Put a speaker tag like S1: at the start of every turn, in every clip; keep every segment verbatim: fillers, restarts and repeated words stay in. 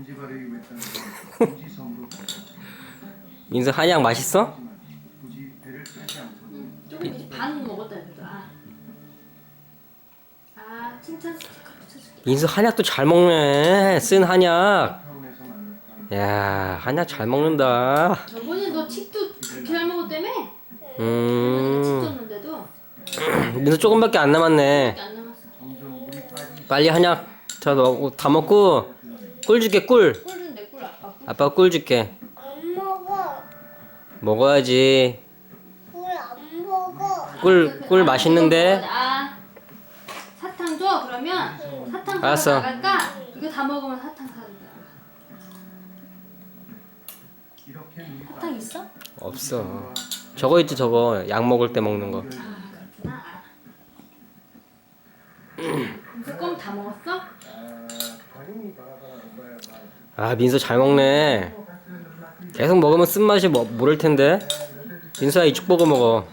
S1: 민수 한약 맛있어?
S2: 조금 이제 반 먹었다 그래도. 아, 아 칭찬 스티커 붙여줄게.
S1: 민수 한약도 잘 먹네. 쓴 한약. 야, 한약 잘 먹는다.
S2: 저번에 너 칩도 그렇게 잘 먹었다며?
S1: 음.
S2: 칩 줬는데도
S1: 민수 조금밖에 안 남았네.
S2: 밖에 안 남았어.
S1: 빨리 한약 다 먹고 다 먹고 꿀 줄게 꿀.
S2: 꿀 준대 꿀 아빠.
S1: 아빠가 꿀 줄게.
S3: 안 먹어.
S1: 먹어야지.
S3: 꿀 안 먹어.
S1: 꿀 꿀 맛있는데.
S2: 아 사탕 줘 그러면 사탕 사러
S1: 알았어.
S2: 나갈까? 이거 다 먹으면 사탕 사러 나가. 사탕 있어?
S1: 없어. 저거 있지 저거 약 먹을 때 먹는 거.
S2: 아 그렇구나. 이거 껌다 먹었어?
S1: 아 민수 잘 먹네. 계속 먹으면 쓴맛이 뭐, 모를 텐데. 민수야 이쪽 보고 먹어.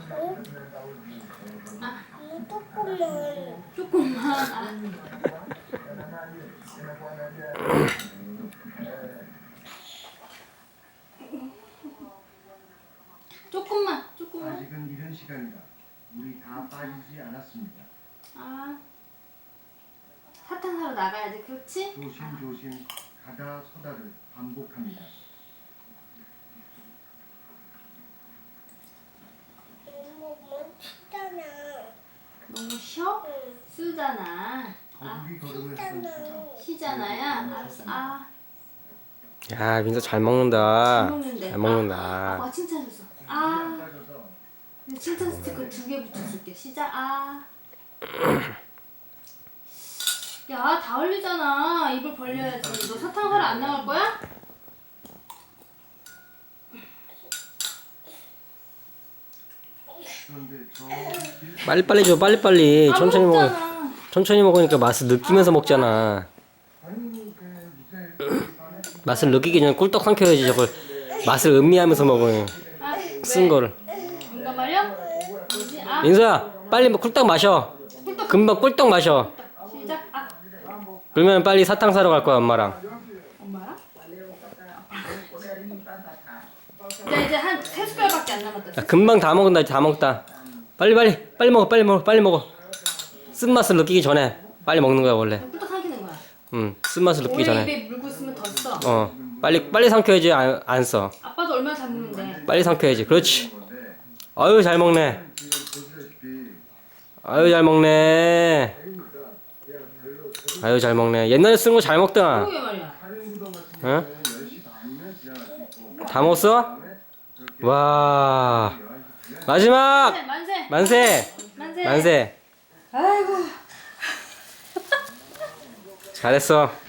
S3: 조금만.
S2: 조금만. 아. 조금만, 조금만.
S4: 아직은 이른 시간이다. 물이 다 빠지지 않았습니다.
S2: 아, 사탕 사러 나가야지, 그렇지?
S4: 조심조심 가다 서다를 반복합니다.
S3: 먹으면 치잖아.
S2: 너무 쉬어?
S3: 응.
S2: 쓰잖아. 아,
S4: 거북이 걸음을 쓴 수다.
S2: 쉬잖아야. 알았어. 아,
S1: 야 민수 잘 먹는다.
S2: 잘 먹는데.
S1: 잘 먹는다.
S2: 아, 아빠가 칭찬해줬어. 아, 칭찬 스티커 두 개 붙여줄게. 시작. 아. 야, 다 흘리잖아. 입을 벌려야지. 너 사탕 사러 안 나갈 거야?
S4: 그런데 저
S1: 빨리 빨리 줘 빨리 빨리.
S2: 안
S1: 천천히 먹어.
S2: 먹잖아.
S1: 천천히 먹으니까 맛을 느끼면서 먹잖아.
S4: 아니 그 무쇠
S1: 맛을 느끼기 전에 꿀떡 삼켜야지 저걸. 맛을 음미하면서 먹어.
S2: 아,
S1: 쓴
S2: 왜?
S1: 거를.
S2: 뭔가 말이야? 뭐지? 아,
S1: 민수야 빨리 뭐 꿀떡 마셔.
S2: 꿀떡.
S1: 금방 꿀떡 마셔.
S2: 시작. 아,
S1: 그러면 빨리 사탕 사러 갈 거야 엄마랑.
S2: 엄마랑? 야, 이제 한 세 숟갈밖에 안 남았다.
S1: 야, 금방 다 먹는다 다 먹다. 빨리 빨리 빨리 먹어 빨리 먹어 빨리 먹어. 쓴 맛을 느끼기 전에 빨리 먹는 거야 원래.
S2: 꿀떡 삼키는 거야.
S1: 응, 쓴 맛을 느끼기
S2: 오래
S1: 전에.
S2: 입에 물고 있으면 더 써.
S1: 어, 빨리 빨리 삼켜야지 안, 안 써.
S2: 아빠도 얼마나 잘 먹는데.
S1: 빨리 삼켜야지. 그렇지. 아유 잘 먹네. 아유 잘 먹네. 아유 잘 먹네. 옛날에 쓴 거 잘 먹더라.
S2: 그러게 말이야.
S1: 응? 다 먹었어? 와. 마지막
S2: 만세.
S1: 만세
S2: 만세.
S1: 만세.
S2: 아이고.
S1: 잘했어.